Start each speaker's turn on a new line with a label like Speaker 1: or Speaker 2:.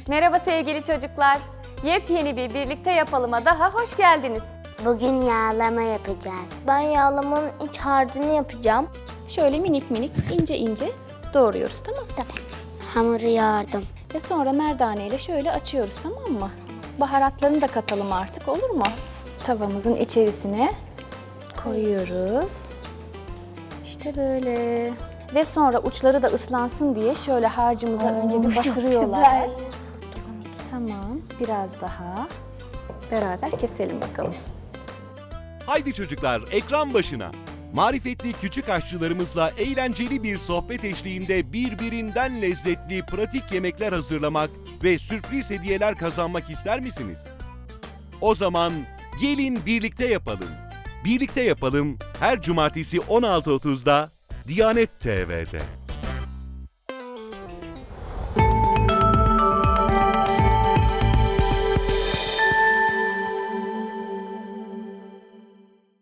Speaker 1: Merhaba sevgili çocuklar. Yepyeni bir birlikte yapalıma daha hoş geldiniz.
Speaker 2: Bugün yağlama yapacağız.
Speaker 3: Ben yağlamanın iç harcını yapacağım.
Speaker 1: Şöyle minik minik ince ince doğruyoruz, tamam mı?
Speaker 2: Hamuru yoğurdum.
Speaker 1: Ve sonra merdane ile şöyle açıyoruz, tamam mı? Baharatlarını da katalım artık, olur mu? Tavamızın içerisine koyuyoruz. İşte böyle. Ve sonra uçları da ıslansın diye şöyle harcımıza önce bir batırıyorlar. Tamam, biraz daha beraber keselim bakalım.
Speaker 4: Haydi çocuklar, ekran başına. Marifetli küçük aşçılarımızla eğlenceli bir sohbet eşliğinde birbirinden lezzetli pratik yemekler hazırlamak ve sürpriz hediyeler kazanmak ister misiniz? O zaman gelin birlikte yapalım. Birlikte yapalım her cumartesi 16.30'da Diyanet TV'de.